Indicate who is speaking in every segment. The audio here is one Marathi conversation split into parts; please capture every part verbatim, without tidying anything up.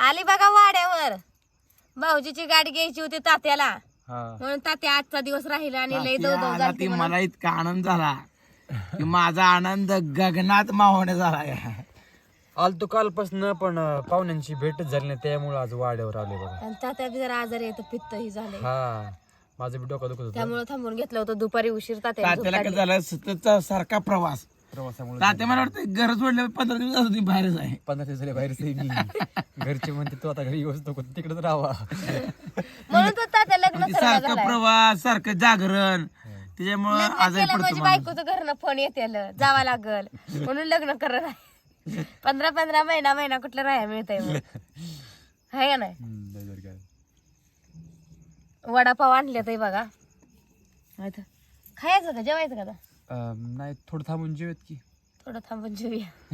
Speaker 1: आली बघा वाड्यावर. भाऊजीची गाडी घ्यायची होती तात्याला, म्हणून तात्या आजचा दिवस राहिला आणि लय दो दो झाली.
Speaker 2: मला इतका आनंद झाला की माझा आनंद गगनात मावणे झाला.
Speaker 3: आलतो कालपासून पण पाहुण्यांची भेटच झाली नाही, त्यामुळे आज वाड्यावर आले बघा.
Speaker 1: आणि तात्या बी जरा आजारी येतो, पित्त ही झाले,
Speaker 3: हा माझं बी डोकं दुखत होतं
Speaker 1: त्यामुळे थांबून घेतलं होतं. दुपारी उशीर तात्या
Speaker 2: तात्याला काय झालं, सततचा सारखा प्रवास.
Speaker 3: प्रवासामुळे.
Speaker 2: तात्या मला वाटतं घर सोडलं पंधरा दिवस होती बाहेरच आहे.
Speaker 3: पंधरा दिवस झाले बाहेरच आहे मी. घरचे म्हणते तू आता घरी येऊच नको, तिकडेच राहावा.
Speaker 1: म्हणून तर तात्या लग्न
Speaker 2: सारखं प्रवास, सारखं जागरण, त्याच्यामुळे आजारी
Speaker 1: केलं. माझी
Speaker 2: पडतो.
Speaker 1: बायकोचं घरनं फोन येते, जावा लागल म्हणून लग्न करत आहे. पंधरा पंधरा महिना महिना कुठलं राहायला मिळतंय मग, हाय का नाही. वडापाव आणले ते बघा, खायचं का जेवायचं का आता?
Speaker 3: नाही थोडं थांबून जेवत की.
Speaker 1: थोडं थांबून जेऊया.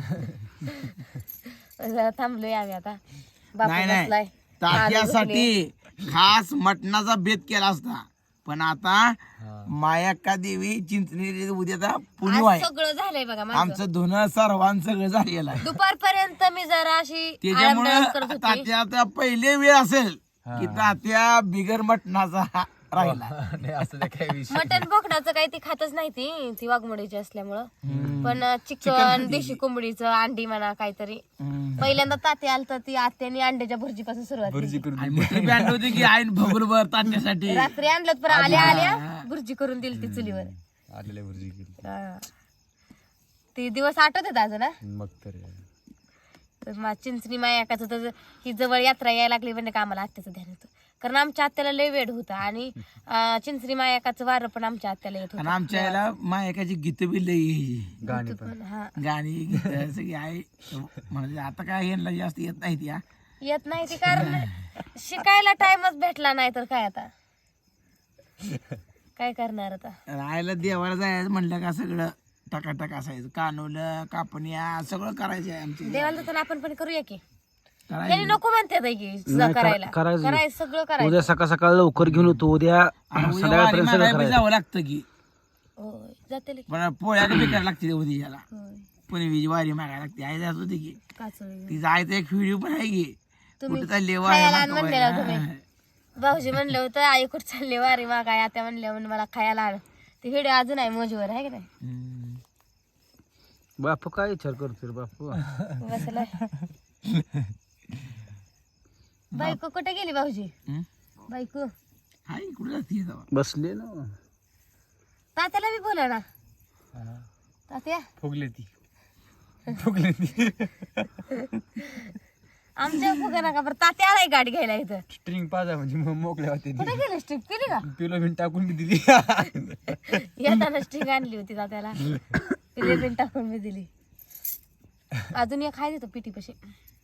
Speaker 1: जरा थांबलोय आम्ही आता. बापू
Speaker 2: नाही नाही,
Speaker 1: बसलाय.
Speaker 2: तात्यासाठी खास मटणाचा बेत केला असता, पण आता मायाक्का देवी चिंचणी उद्याचा पुणे
Speaker 1: आज
Speaker 2: आहे.
Speaker 1: सगळं झालंय बघा माझं.
Speaker 2: आमचं धुणं सर्वांचं सगळं झालेलं आहे.
Speaker 1: दुपारपर्यंत मी जरा अशी
Speaker 2: त्याच्यामुळे
Speaker 1: आरामदायक करत होती.
Speaker 2: तात्या आता पहिले वेळ असेल की तात्या बिगर मटणाचा राहिला.
Speaker 3: नाही असं काय विषय.
Speaker 1: मटन बोकडाचं काही ती खातच नाही, ती ती वाघमोडीची असल्यामुळं. पण चिकन, देशी कोंबडीचं, अंडी म्हणा काहीतरी. पहिल्यांदा तात्या आलं तर ती आत्याने अंड्याच्या भुर्जीपासून सुरुवात केली.
Speaker 2: आणि मोठी बँड होती की आईन भगुलभर तात्यासाठी.
Speaker 1: रात्री आणलं पण आल्या आल्या भुर्जी करून दिली ती चुलीवर.
Speaker 3: आलेल्या भुर्जी केली.
Speaker 1: हा. ते दिवस आठवतात अजून ना.
Speaker 3: मग तर
Speaker 1: चिंचणी मायाकाचं तर ही जवळ यात्रा यायला लागली म्हणजे का आम्हाला आत्याचं ध्यान होतं, कारण आमच्या आत्याला लय वेळ होता. आणि चिंचणी मायाकाचं वारं पण आमच्या आत्याला येत
Speaker 2: आणि
Speaker 1: होतं.
Speaker 2: आमच्या याला मायकाची गीत बी लई यायची.
Speaker 3: गाणी पण.
Speaker 1: हा,
Speaker 2: गाणी गीत सगळी आहे. म्हणजे आता काय यांना जास्त येत नाही त्या.
Speaker 1: येत नाही ती, कारण शिकायला टाइमच भेटला नाही तर काय आता काय करणार आता.
Speaker 2: राहायला देवाला जायचं म्हणलं का सगळं टकाटक असायचं. कानवलं, कापण्या सगळं करायचं आहे आमच्या.
Speaker 1: देवाला तर आपण पण करूया की.
Speaker 2: करायचं.
Speaker 1: त्यांनी नको म्हणते की तुझं करायला करायचं सगळं करायचं.
Speaker 3: उद्या सकाळ सकाळ लवकर घेऊन येतो, उद्या
Speaker 2: आणि उद्या वारी मागायला बी जावं लागतं की.
Speaker 1: होय जाते की.
Speaker 2: पण पोळ्या बी करायला लागते उद्याला.
Speaker 1: होय
Speaker 2: पुणे वारी मागायला लागते. आई जात होती की.
Speaker 1: काचळी.
Speaker 2: ती जायचं एक व्हिडिओ पण आहे की.
Speaker 1: तुम्ही
Speaker 2: कुठं चालली
Speaker 1: खायला आण
Speaker 2: वारी
Speaker 1: म्हणलेला
Speaker 2: मागायला.
Speaker 1: तुम्ही. भाऊजी म्हणलं होतं आई कुठं चालली वारी मागाय, आता म्हणल्या म्हणून मला खायला आण. ती व्हिडिओ अजून आहे मोजवर, आहे की नाही.
Speaker 2: हम्म.
Speaker 3: बापू काय विचार करतो बापू.
Speaker 1: बसलाय. बायको कुठे गेली भाऊजी?
Speaker 2: हम्म?
Speaker 1: बायको
Speaker 2: हाय कुठं जाते जावा.
Speaker 3: बसले ना.
Speaker 1: तात्याला बी बोला ना. तात्या
Speaker 3: फुगले ती फुगले ती
Speaker 1: आमच्या फुगा नका बरं. तात्या आलाय गाडी घ्यायला इथं.
Speaker 3: स्ट्रिंग पाजा म्हणजे मग मोकळ्या होते.
Speaker 1: कुठे गेली स्ट्रिप केली का?
Speaker 3: पिलो बिन टाकून बी दिली.
Speaker 1: येताना स्ट्रिंग आणली होती तात्याला, पिले बिन टाकून मी दिली. अजून एक खाय देतो पिटी पशी.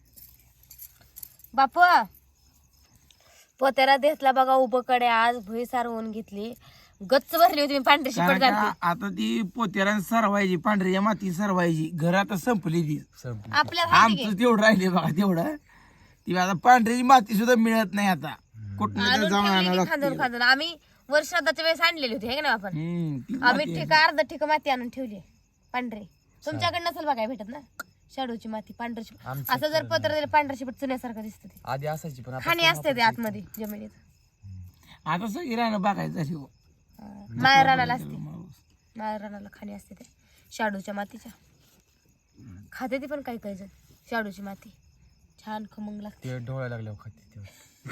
Speaker 1: बापू पोत्याला देसला बघा उभं कडे, आज भुई सारवून घेतली, गच्च भरली होती मी पांढरी शिपट
Speaker 2: कारण का
Speaker 1: घालते.
Speaker 2: आता ती पोत्याला सरवायची, पांढऱ्या माती सरवायची. घर आता संपली ती.
Speaker 1: आपल्याला
Speaker 2: आमचं तेवढं राहिले बघा तेवढं. ती आता पांढऱ्याची माती सुद्धा मिळत नाही आता. कुठं तर जाऊन आणावं
Speaker 1: खांदून
Speaker 2: लागतं.
Speaker 1: खांदून आम्ही वर्षादाच्या वेळेस आणलेली होती, हे ना आपण.
Speaker 2: हम्म, ती
Speaker 1: आम्ही
Speaker 2: माती
Speaker 1: ठिका अर्ध ठिका माती आणून ठेवली पांढरी. तुमच्याकडे नसेल बघाय भेटत ना शाडूची माती पांढरी शिपट. असं जर पत्र दिलं पांढरी शिपट चुन्यासारखं दिसत. ते
Speaker 3: आधी असायची पण आता
Speaker 1: खाणी असते ते आतमध्ये जमिनीत.
Speaker 2: आता सगळी राहणं बघायचं झाली हो.
Speaker 1: माया रानाला असते, माया रानाला खाणी असते ते शाडूच्या मातीच्या. खाते ती पण काही काही जण शाडूची माती छान खमंग लागते.
Speaker 3: ते डोळ्या लागल्यावर खाते तेव्हा.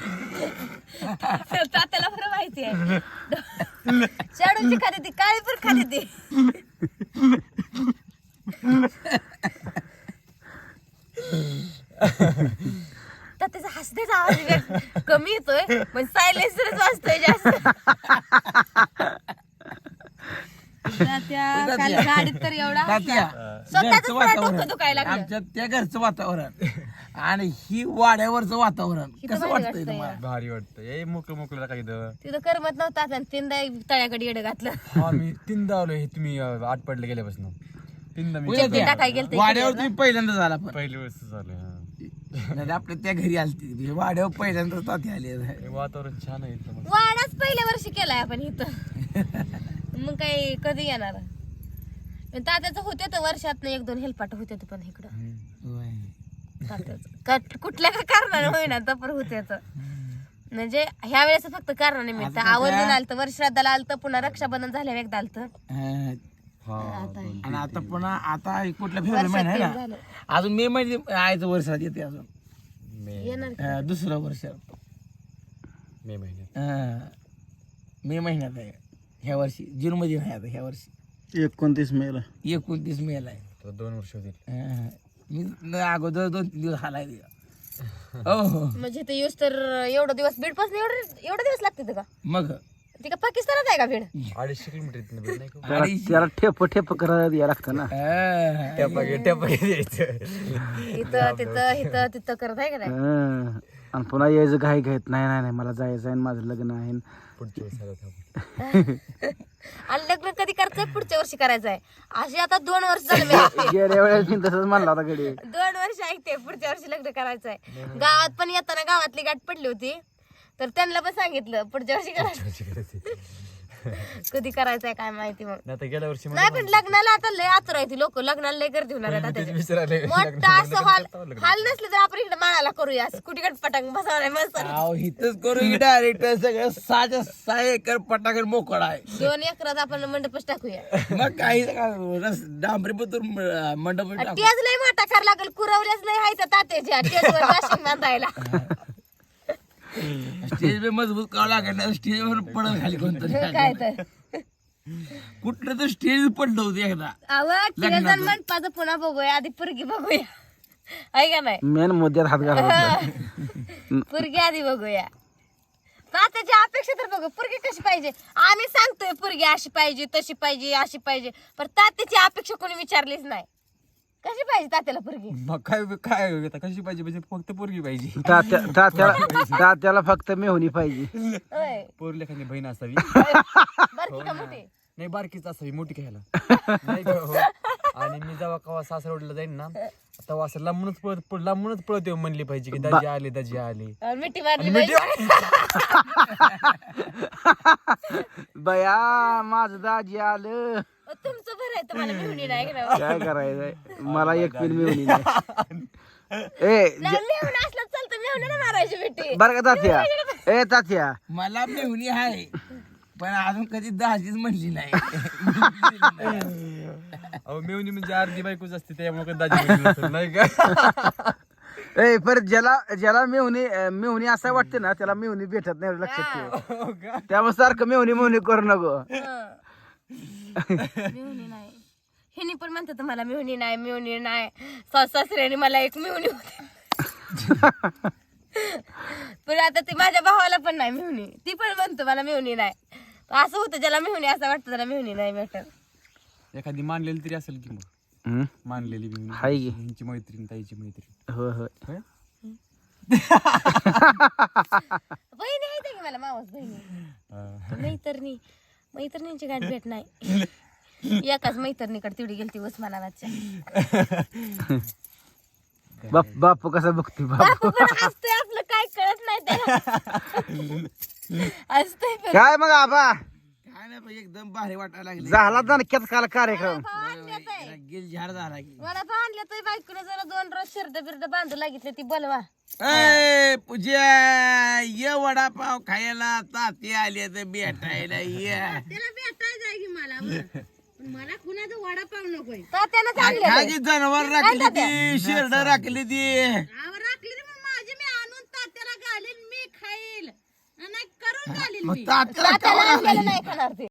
Speaker 1: तात्याला बरं माहिती आहे. शाडूची खाते ती, काळी पण खाते ती. त्याचा हसण्याचा आवाज वेग- कमी येतोय पण सायलेन्सरच वाजतोय जास्त. तात्या काल गाडीत तर एवढा
Speaker 2: तात्या,
Speaker 1: स्वतःच
Speaker 2: घरचं
Speaker 1: मला डोकं
Speaker 2: वातावरण
Speaker 1: दुखायला लागलं.
Speaker 2: आमच्या त्या घरचं वातावरण आणि ही वाड्यावरचं वातावरण
Speaker 1: इथं
Speaker 2: कसं
Speaker 1: भारी
Speaker 2: वाटतंय
Speaker 1: वाटतंय.
Speaker 2: तुम्हाला?
Speaker 3: भारी वाटतं. ए मोकळं मोकळं काही
Speaker 1: तिथं करमत नव्हता आणि तीनदा तळ्याकडे येडं घातलं.
Speaker 3: आम्ही तीनदा आलो हे तुम्ही अं, आठ पडले गेल्यापासून तीनदा मी
Speaker 2: उद्या त्या
Speaker 1: टाकाय गेलते
Speaker 2: वाड्यावर तुम्ही पहिल्यांदा झाला पण
Speaker 3: पहिली वेळेस झालं. हा.
Speaker 2: नाही तर आपल्या त्या घरी आलती वाड्यावर पहिल्यांदा तात्या आले.
Speaker 3: हे वातावरण छान आहे इथलं मस्त.
Speaker 1: वाडाच पहिल्या वर्षी केलाय आपण इथं. मग काही कधी येणार. तात्याचं होते तर वर्षात एक दोन हेलपाट होते पण इकडं.
Speaker 2: होय.
Speaker 1: तात्याचं. का- कुठल्या का कारणाने होईना तपर होत्याच म्हणजे ह्या वेळेस फक्त कारणानिमित्त आवर्जून आलतं वर्षादाला आलतं पुन्हा रक्षाबंधन झाल्यावर एकदा आलतं
Speaker 2: अं,
Speaker 1: आता हे.
Speaker 2: आणि आता पुन्हा आता कुठला फेब्रुवारी महिना आहे
Speaker 1: वर्षात
Speaker 2: ना
Speaker 1: झालं.
Speaker 2: अजून मे मध्ये आयचं वर्षात येते अजून
Speaker 3: मे
Speaker 1: येणार की.
Speaker 2: अं, दुसरं वर्ष
Speaker 3: मे महिन्यात
Speaker 2: अं, मे महिन्यात आहे ह्या वर्षी जून मध्ये नाही आता ह्या वर्षी
Speaker 4: एकोणतीस मेला
Speaker 2: एकोणतीस मे ला आहे
Speaker 3: तर दोन वर्ष होतील.
Speaker 2: अं, मी न- अगोदर दोन तीन दिवस हालाय हो हो
Speaker 1: म्हणजे ते यूज तर एवढं दिवस बीड पासून एवढे एवढे दिवस लागते का
Speaker 2: मग
Speaker 1: ती का पाकिस्तानात आहे का बीड
Speaker 3: अडीचशे किलोमीटर इथनं भेट नाही का?
Speaker 4: त्याला त्याला ठेप ठेप करायला यायला लागतं ना
Speaker 2: अं,
Speaker 3: टप्पा घे टप्पा घे द्यायचं.
Speaker 1: इथं तिथं इथं तिथं करत आहे का नाही
Speaker 4: हं. आणि पुन्हा यायचं घाई घाईत नाही नाही नाही मला जायचं आहे माझं लग्न आहे
Speaker 3: पुढच्या वेळेस आलं थांब.
Speaker 1: आणि लग्न कधी करायचंय पुढच्या वर्षी करायचं आहे अशी आता दोन वर्ष झाले मी ऐकते.
Speaker 4: गेल्या वेळेस मी तसंच म्हणला होता घडी
Speaker 1: दोन वर्ष ऐकते पुढच्या वर्षी लग्न करायचं आहे गावात पण येताना गावातली गाठ पडली होती तर त्यांना पण सांगितलं पुढच्या वर्षी करायचं
Speaker 3: अशी करायची.
Speaker 1: कधी करायचंय काय माहिती मग
Speaker 3: नाही तर गेल्या वर्षी
Speaker 1: नाही पण लग्नाला आता लय आतुर आहे ती लोक लग्नाला लय गर्दी होणार आहेत आता त्याच्यात.
Speaker 3: विचारायला
Speaker 1: मोठा असं हॉल हॉल नसले तर आपण इकडे माळाला करूया कुठे पटांग बसवणार मस्त
Speaker 2: अहो हिथंच करू डायरेक्ट सगळं सहाच्या सहा एकर पटाकर मोकळा आहे
Speaker 1: दोन एकरात आपण मंडपच टाकूया
Speaker 2: मग काही रस डांबरी पतूर मंडप टाकू
Speaker 1: टेज लय मोठा कर लागल कुरवल्याच लय हायचं तात्याच्या टेजवर वाशिंग बांधायला
Speaker 2: स्टेज पे मजबूत करावं लागेल ना स्टेजवर पडत खाली कोणतरी
Speaker 1: काय तर
Speaker 2: कुठलं तर स्टेज पडलं होतं एकदा
Speaker 1: आवड टेज आणि मंडपाचं पुन्हा बघूया आधी पुरगी बघूया आहे का नाही
Speaker 4: मेन मुद्द्यात हात घाला
Speaker 1: पुरगी आधी बघूया तात्याची अपेक्षा तर बघू पुरगी कशी पाहिजे आम्ही सांगतोय पुरगी अशी पाहिजे तशी पाहिजे अशी पाहिजे पण तात्याची अपेक्षा कोणी विचारलीच नाही कशी पाहिजे तात्याला पुरगी
Speaker 3: मग काय काय आता कशी पाहिजे म्हणजे फक्त पोरगी पाहिजे.
Speaker 4: तात्या तात्याला तात्याला फक्त मेहुणी पाहिजे
Speaker 1: होय
Speaker 3: पोर लेखाची बहीण असावी
Speaker 1: बरं की का मोठी
Speaker 3: नाही बारकीच असावी मोठी घ्यायला नाही का हो? आणि मी जेव्हा कवा सासरवडीला जाईन ना तेव्हा असं लांबूनच पळत पळ- लांबूनच पळत येऊन म्हणली पाहिजे की दाजी आले दाजी आले.
Speaker 1: आणि मिठी मारली पाहिजे
Speaker 4: बया माझं दाजी आलं
Speaker 1: तुमचं बरं आहे तुम्हाला मिळून नाही का नाही?
Speaker 4: काय करायचंय मला एक पिन मेहुणी नाही ए
Speaker 1: नाही, मेहुणं असलं चालतं मेहुणं नाही मारायची मिठी
Speaker 4: बरं का तात्या ए तात्या
Speaker 2: मला मेहुणी आहे पण अजून कधी दहाजीच म्हणली नाही
Speaker 3: अहो मेवणी म्हणजे अर्धी बायकोच असते त्यामुळे दाजी बहीण नसेल, नाही का?
Speaker 4: ए परत ज्याला ज्याला मेहुणी मेहुणी असं वाटते ना त्याला मेहुणी भेटत नाही लक्षात ठेव त्यामुळे सारखं मेहुणी मेहुणी करू नको
Speaker 1: हं. मिळून नाही हिनी पण म्हणतात मला मिळून नाही मिळून नाही सास सासऱ्याने मला एक मिळून होते पण आता ती माझ्या भावाला पण नाही मिळून ती पण म्हणतो मला मिळून नाही असं होतं ज्याला मिळून असं वाटतं त्याला मिळून नाही भेटत
Speaker 3: एखादी मानलेली तरी असेल की मग
Speaker 4: हम्म?
Speaker 3: मानलेली मेवणी.
Speaker 4: हाय की.
Speaker 3: ह्यांची मैत्रीण ताईची मैत्रीण
Speaker 4: होय होय
Speaker 3: होय?
Speaker 1: बहिणी आहे की मला मावस बहिणी
Speaker 3: अं,
Speaker 1: मैत्रिणी मैत्रिणींची गाठ भेट नाही एकाच मैत्रिणीकडे तेवढी गेलती उस्मानाबादच्या
Speaker 4: बाप बापू कसा बघते बाप
Speaker 1: बापू पण हसतोय आपलं काय कळत नाही त्याला हसतोय पण.
Speaker 4: काय मग आबा
Speaker 2: काय नाही पण एकदम भारी वाटायला लागले
Speaker 4: झाला दणक्यात काल कार्यक्रम
Speaker 1: भाव आणल्यात आहे.
Speaker 2: गिल झाड झाला की
Speaker 1: मला भाव आणल्या तर बायकोने जरा दोन रोज शिरड बिरड बांधू लागितले ती बोलवा
Speaker 2: ए पूजा ये वडापाव खायला ताती आले तर भेटायला ये
Speaker 1: त्याला भेटायचं आहे की मला मला कुणाचा वडापाव नकोय तात्यानं चांगले
Speaker 2: खाजी जनावर राखली ती शिरड राखली ती
Speaker 1: राखली माझी मी आणून तात्याला घालीन मी खाईल नाही करून घालीन
Speaker 2: मग तात्याला
Speaker 1: तात्याला आणलेलं नाही खाणार ते